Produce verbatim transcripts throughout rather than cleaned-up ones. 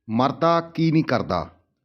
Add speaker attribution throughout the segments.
Speaker 1: ਮਰਦਾ ਕੀ ਨਹੀਂ ਕਰਦਾ।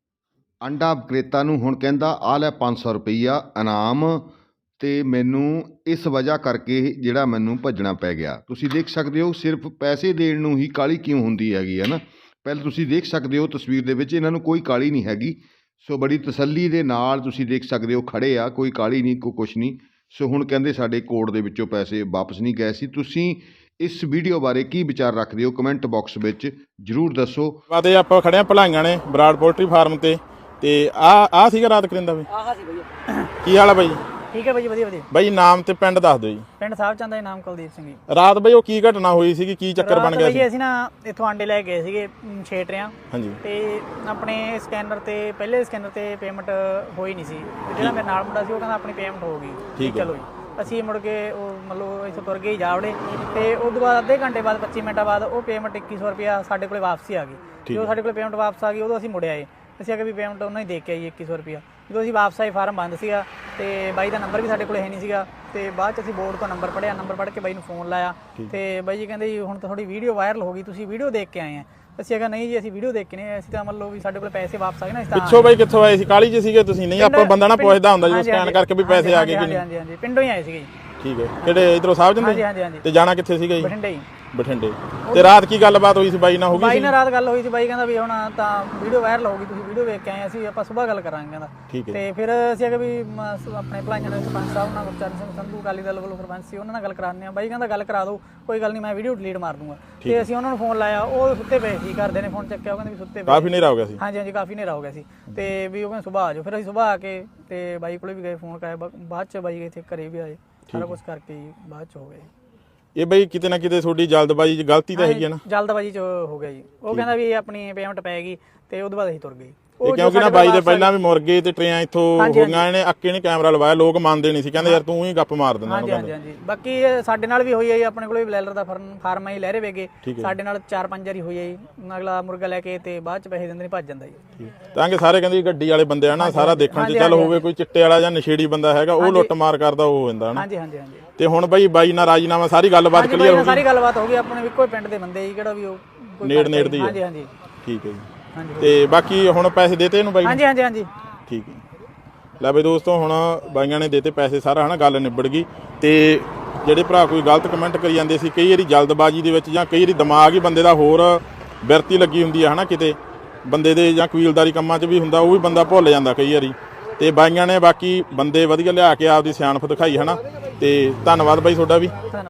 Speaker 1: ਅੰਡਾ ਵਿਕਰੇਤਾ ਨੂੰ ਹੁਣ ਕਹਿੰਦਾ ਆ ਲੈ ਪੰਜ ਸੌ ਰੁਪਈਆ ਇਨਾਮ, ਅਤੇ ਮੈਨੂੰ ਇਸ ਵਜ੍ਹਾ ਕਰਕੇ ਜਿਹੜਾ ਮੈਨੂੰ ਭੱਜਣਾ ਪੈ ਗਿਆ। ਤੁਸੀਂ ਦੇਖ ਸਕਦੇ ਹੋ ਸਿਰਫ ਪੈਸੇ ਦੇਣ ਨੂੰ ਹੀ ਕਾਹਲੀ ਕਿਉਂ ਹੁੰਦੀ ਹੈਗੀ ਹੈ ਨਾ। ਪਹਿਲਾਂ ਤੁਸੀਂ ਦੇਖ ਸਕਦੇ ਹੋ ਤਸਵੀਰ ਦੇ ਵਿੱਚ ਇਹਨਾਂ ਨੂੰ ਕੋਈ ਕਾਹਲੀ ਨਹੀਂ ਹੈਗੀ। ਸੋ ਬੜੀ ਤਸੱਲੀ ਦੇ ਨਾਲ ਤੁਸੀਂ ਦੇਖ ਸਕਦੇ ਹੋ ਖੜ੍ਹੇ ਆ, ਕੋਈ ਕਾਹਲੀ ਨਹੀਂ, ਕੋਈ ਕੁਛ ਨਹੀਂ। ਸੋ ਹੁਣ ਕਹਿੰਦੇ ਸਾਡੇ ਕੋਰਟ ਦੇ ਵਿੱਚੋਂ ਪੈਸੇ ਵਾਪਸ ਨਹੀਂ ਗਏ ਸੀ। ਤੁਸੀਂ ਇਸ ਵੀਡੀਓ ਬਾਰੇ ਕੀ ਵਿਚਾਰ ਰੱਖਦੇ ਹੋ ਕਮੈਂਟ ਬਾਕਸ ਵਿੱਚ ਜ਼ਰੂਰ ਦੱਸੋ।
Speaker 2: ਤੇ ਆਪਾਂ ਖੜੇ ਆ ਭਲਾਈਆਂ ਨੇ ਬਰਾੜ ਪੋਲਟਰੀ ਫਾਰਮ ਤੇ ਤੇ ਆ ਆ ਸੀਗਾ ਰਾਤ ਕਰਿੰਦਾ ਵੀ
Speaker 3: ਆਹ ਸੀ ਭਈਆ।
Speaker 2: ਕੀ ਹਾਲ ਆ ਬਾਈ?
Speaker 3: ਠੀਕ ਹੈ ਬਾਈ, ਵਧੀਆ ਵਧੀਆ।
Speaker 2: ਬਾਈ ਨਾਮ ਤੇ ਪਿੰਡ ਦੱਸ ਦਿਓ ਜੀ।
Speaker 3: ਪਿੰਡ ਸਾਹਿਬ ਚੰਦ ਦਾ ਨਾਮ ਕੁਲਦੀਪ ਸਿੰਘ ਜੀ।
Speaker 2: ਰਾਤ ਬਾਈ ਉਹ ਕੀ ਘਟਨਾ ਹੋਈ ਸੀਗੀ, ਕੀ ਚੱਕਰ ਬਣ ਗਿਆ ਸੀ?
Speaker 3: ਅਸੀਂ ਨਾ ਇੱਥੋਂ ਆਂਡੇ ਲੈ ਗਏ ਸੀਗੇ ਛੇਟਰਿਆਂ।
Speaker 2: ਹਾਂਜੀ।
Speaker 3: ਤੇ ਆਪਣੇ ਸਕੈਨਰ ਤੇ ਪਹਿਲੇ ਸਕੈਨਰ ਤੇ ਪੇਮੈਂਟ ਹੋਈ ਨਹੀਂ ਸੀ। ਜਿਹੜਾ ਮੇਰੇ ਨਾਲ ਮੁੰਡਾ ਸੀ ਉਹ ਕਹਿੰਦਾ ਆਪਣੀ ਪੇਮੈਂਟ ਹੋ ਗਈ। ਠੀਕ ਚਲੋ ਜੀ। ਅਸੀਂ ਮੁੜ ਕੇ ਉਹ ਮਤਲਬ ਇੱਥੋਂ ਤੁਰ ਗਏ ਜਾਵੜੇ, ਤੇ ਉਸ ਤੋਂ ਬਾਅਦ ਅੱਧੇ ਘੰਟੇ ਬਾਅਦ ਪੱਚੀ ਮਿੰਟਾਂ ਬਾਅਦ ਉਹ ਪੇਮੈਂਟ ਇੱਕੀ ਸੌ ਰੁਪਇਆ ਸਾਡੇ ਕੋਲ ਵਾਪਸੀ ਆ ਗਈ। ਜਦੋਂ ਸਾਡੇ ਕੋਲ ਪੇਮੈਂਟ ਵਾਪਸ ਆ ਗਈ ਉਦੋਂ ਅਸੀਂ ਮੁੜ ਆਏ। ਅਸੀਂ ਆ ਕੇ ਵੀ ਪੇਮੈਂਟ ਉਹਨਾਂ ਹੀ ਦੇ ਕੇ ਆਈ ਇੱਕੀ ਸੌ ਰੁਪਇਆ। ਜਦੋਂ ਅਸੀਂ ਵਾਪਸ ਆਏ ਫਾਰਮ ਬੰਦ ਸੀਗਾ, ਤੇ ਬਾਈ ਦਾ ਨੰਬਰ ਵੀ ਸਾਡੇ ਕੋਲ ਹੈ ਨਹੀਂ ਸੀਗਾ। ਤੇ ਬਾਅਦ 'ਚ ਅਸੀਂ ਬੋਰਡ ਤੋਂ ਨੰਬਰ ਪੜ੍ਹਿਆ, ਨੰਬਰ ਪੜ੍ਹ ਕੇ ਬਾਈ ਨੂੰ ਫੋਨ ਲਾਇਆ, ਤੇ ਬਾਈ ਜੀ ਕਹਿੰਦੇ ਜੀ ਹੁਣ ਤਾਂ ਤੁਹਾਡੀ ਵੀਡੀਓ ਵਾਇਰਲ ਹੋ ਗਈ, ਤੁਸੀਂ ਵੀਡੀਓ ਦੇਖ ਕੇ ਆਏ ਆ। ਅਸੀਂ ਕਿਹਾ ਨਹੀਂ ਜੀ ਅਸੀਂ ਵੀਡੀਓ ਦੇਖ ਕੇ ਨਹੀਂ, ਅਸੀਂ ਤਾਂ ਮੰਨ ਲਓ ਵੀ ਸਾਡੇ ਕੋਲ ਪੈਸੇ ਵਾਪਸ ਆ ਗਏ ਨਾ। ਇਸ
Speaker 2: ਪਿੱਛੋਂ ਬਾਈ ਕਿੱਥੋਂ ਆਏ ਸੀ? ਕਾਲੀ 'ਚ ਸੀਗੇ ਤੁਸੀਂ? ਨਹੀਂ ਆਪਾਂ ਬੰਦਾ ਨਾ ਪੁੱਛਦਾ ਹੁੰਦਾ ਜਦੋਂ ਸਕੈਨ ਕਰਕੇ ਵੀ ਪੈਸੇ ਆ ਗਏ ਕਿ ਨਹੀਂ।
Speaker 3: ਹਾਂਜੀ ਹਾਂਜੀ, ਪਿੰਡੋਂ ਹੀ ਆਏ ਸੀਗੇ ਜੀ।
Speaker 2: ਠੀਕ ਹੈ, ਕਿਹੜੇ ਇਧਰੋਂ ਸਾਹਿਬ ਜੰਦੇ?
Speaker 3: ਹਾਂਜੀ ਹਾਂਜੀ ਹਾਂਜੀ।
Speaker 2: ਤੇ ਜਾਣਾ ਕਿੱਥੇ ਸੀਗਾ ਜੀ?
Speaker 3: ਬਠਿੰਡੇ ਜੀ।
Speaker 2: ਬਠਿੰਡੇ। ਤੇ ਰਾਤ ਕੀ ਗੱਲਬਾਤ ਹੋਈ ਸੀ ਬਾਈ ਨਾਲ? ਹੋ ਗਈ
Speaker 3: ਬਾਈ ਨਾਲ ਰਾਤ ਗੱਲ ਹੋਈ ਸੀ। ਬਾਈ ਕਹਿੰਦਾ ਵੀ ਹੁਣ ਤਾਂ ਵੀਡੀਓ ਵਾਇਰਲ ਹੋ ਗਈ, ਤੁਸੀਂ ਵੀਡੀਓ ਵੇਖ ਕੇ ਆਏ, ਅਸੀਂ ਆਪਾਂ ਸੁਬਾਹ ਗੱਲ ਕਰਾਂਗੇ ਕਹਿੰਦਾ।
Speaker 2: ਠੀਕ ਹੈ।
Speaker 3: ਤੇ ਫਿਰ ਅਸੀਂ ਅਗੇ ਵੀ ਆਪਣੇ ਭਲਾਈਆਂ ਦੇ ਸਰਪੰਚ ਸਾਹਿਬ ਨਾਲ ਗੁਰਚਰਨ ਸਿੰਘ ਸੰਧੂ ਅਕਾਲੀ ਦਲ ਵੱਲੋਂ ਸਰਪੰਚ ਸੀ, ਉਹਨਾਂ ਨਾਲ ਗੱਲ ਕਰਾਉਂਦੇ ਆ। ਬਾਈ ਕਹਿੰਦਾ ਗੱਲ ਕਰਾ ਦਿਓ, ਕੋਈ ਗੱਲ ਨਹੀਂ, ਮੈਂ ਵੀਡੀਓ ਡਿਲੀਟ ਮਾਰ ਦੂੰਗਾ। ਤੇ ਅਸੀਂ ਉਹਨਾਂ ਨੂੰ ਫੋਨ ਲਾਇਆ, ਉਹ ਸੁੱਤੇ ਪਏ ਸੀ। ਘਰਦੇ ਨੇ ਫੋਨ ਚੱਕਿਆ, ਉਹ ਕਹਿੰਦੇ ਵੀ ਸੁੱਤੇ ਪਏ।
Speaker 2: ਕਾਫੀ ਹਨੇਰਾ ਹੋ ਗਿਆ ਸੀ? ਹਾਂਜੀ
Speaker 3: ਹਾਂਜੀ, ਕਾਫੀ ਹਨੇਰਾ ਹੋ ਗਿਆ ਸੀ। ਤੇ ਵੀ ਉਹ ਕਹਿੰਦੇ ਸੁਬਾਹ ਆ ਜਾਓ। ਫਿਰ ਅਸੀਂ ਸੁਬਾਹ ਆ ਕੇ ਤੇ ਬਾਈ ਕੋਲੇ ਵੀ ਗਏ, ਫੋਨ ਕਰਾਇਆ। ਬਾਅਦ 'ਚ ਬਾਈ ਇੱਥੇ ਘਰੇ ਵੀ ਆਏ, ਸਾਰਾ ਕੁਛ ਕਰਕੇ ਬਾਅਦ 'ਚ ਹੋ ਗਏ।
Speaker 2: ਇਹ ਬਈ ਕਿਤੇ ਨਾ ਕਿਤੇ ਤੁਹਾਡੀ ਜਲਦਬਾਜ਼ੀ 'ਚ ਗਲਤੀ ਤਾਂ ਹੈਗੀ ਹੈ ਨਾ?
Speaker 3: ਜਲਦਬਾਜ਼ੀ 'ਚ ਹੋ ਗਿਆ ਜੀ। ਉਹ ਕਹਿੰਦਾ ਵੀ ਆਪਣੀ ਪੇਮੈਂਟ ਪੈ ਗਈ, ਤੇ ਉਹਦੇ ਬਾਅਦ ਅਸੀਂ ਤੁਰ ਗਏ।
Speaker 2: ਕਿਉਂਕਿ ਨਾ ਬਾਈ ਦੇ ਪਹਿਲਾਂ ਵੀ ਮੁਰਗੇ ਤੇ ਟਰੇਆਂ ਇੱਥੋਂ ਹੋ ਗਈਆਂ ਨੇ, ਅੱਕੇ ਨੇ ਕੈਮਰਾ ਲਵਾਇਆ, ਲੋਕ ਮੰਨਦੇ ਨਹੀਂ ਸੀ, ਕਹਿੰਦੇ ਯਾਰ ਤੂੰ ਹੀ ਗੱਪ ਮਾਰ ਦਿੰਦਾ।
Speaker 3: ਹਾਂਜੀ ਹਾਂਜੀ ਹਾਂਜੀ। ਬਾਕੀ ਸਾਡੇ ਨਾਲ ਵੀ ਹੋਈ ਹੈ ਜੀ, ਆਪਣੇ ਕੋਲ ਵੀ ਬਲੈਲਰ ਦਾ ਫਾਰਮ ਹੈ ਲਹਿਰੇ ਵੇਗੇ, ਸਾਡੇ ਨਾਲ ਚਾਰ ਪੰਜ ਵਾਰੀ ਹੋਈ ਹੈ ਜੀ। ਅਗਲਾ ਮੁਰਗਾ ਲੈ ਕੇ ਤੇ ਬਾਅਦ 'ਚ ਪੈਸੇ ਦਿੰਦੇ ਨਹੀਂ, ਭੱਜ ਜਾਂਦਾ ਜੀ।
Speaker 2: ਤਾਂ ਕਿ ਸਾਰੇ ਕਹਿੰਦੇ ਗੱਡੀ ਵਾਲੇ ਬੰਦੇ ਆ ਨਾ, ਸਾਰਾ ਦੇਖਣ 'ਚ ਚੱਲ ਹੋਵੇ ਕੋਈ ਚਿੱਟੇ ਵਾਲਾ ਜਾਂ ਨਸ਼ੇੜੀ ਬੰਦਾ ਹੈਗਾ, ਉਹ ਲੁੱਟ ਮਾਰ ਕਰਦਾ, ਉਹ ਹੋ ਜਾਂਦਾ ਨਾ।
Speaker 3: ਹਾਂਜੀ ਹਾਂਜੀ ਹਾਂਜੀ।
Speaker 2: ਤੇ ਹੁਣ ਬਾਈ ਬਾਈ ਨਾਲ ਰਾਜੀਨਾਮਾ ਸਾਰੀ ਗੱਲਬਾਤ ਕਲੀਅਰ ਹੋ ਗਈ?
Speaker 3: ਸਾਰੀ ਗੱਲਬਾਤ ਹੋ ਗਈ। ਆਪਣੇ ਵੀ ਕੋਈ ਪਿੰਡ ਦੇ ਬੰਦੇ ਜੀ, ਕਿਹੜਾ ਵੀ ਉਹ
Speaker 2: ਨੇੜ ਨੇੜ ਦੀ।
Speaker 3: ਹਾਂਜੀ ਹਾਂਜੀ।
Speaker 2: ਠੀਕ ਹੈ ਜੀ। ਤੇ ਬਾਕੀ ਹੁਣ ਪੈਸੇ ਦੇਤੇ ਇਹਨੂੰ ਬਾਈ?
Speaker 3: ਹਾਂਜੀ ਹਾਂਜੀ ਹਾਂਜੀ।
Speaker 2: ਠੀਕ ਹੈ। ਲੈ ਬਈ ਦੋਸਤੋ, ਹੁਣ ਬਾਈਆਂ ਨੇ ਦੇਤੇ ਪੈਸੇ, ਸਾਰਾ ਹਨਾ ਗੱਲ ਨਿਬੜ ਗਈ। ਤੇ ਜਿਹੜੇ ਭਰਾ ਕੋਈ ਗਲਤ ਕਮੈਂਟ ਕਰੀ ਜਾਂਦੇ ਸੀ, ਕਈ ਵਾਰੀ ਜਲਦਬਾਜ਼ੀ ਦੇ ਵਿੱਚ ਜਾਂ ਕਈ ਵਾਰੀ ਦਿਮਾਗ ਹੀ ਬੰਦੇ ਦਾ ਹੋਰ ਬਿਰਤੀ ਲੱਗੀ ਹੁੰਦੀ ਹੈ ਹਨਾ, ਕਿਤੇ ਬੰਦੇ ਦੇ ਜਾਂ ਕਬੀਲਦਾਰੀ ਕੰਮਾਂ 'ਚ ਵੀ ਹੁੰਦਾ, ਉਹ ਵੀ ਬੰਦਾ ਭੁੱਲ ਜਾਂਦਾ ਕਈ ਵਾਰੀ। ਤੇ ਬਾਈਆਂ ਨੇ ਬਾਕੀ ਬੰਦੇ ਵਧੀਆ ਲਿਆ ਕੇ ਆਪਦੀ ਸਿਆਣਪ ਦਿਖਾਈ ਹਨਾ। ਤੇ ਧੰਨਵਾਦ ਬਾਈ ਤੁਹਾਡਾ ਵੀ।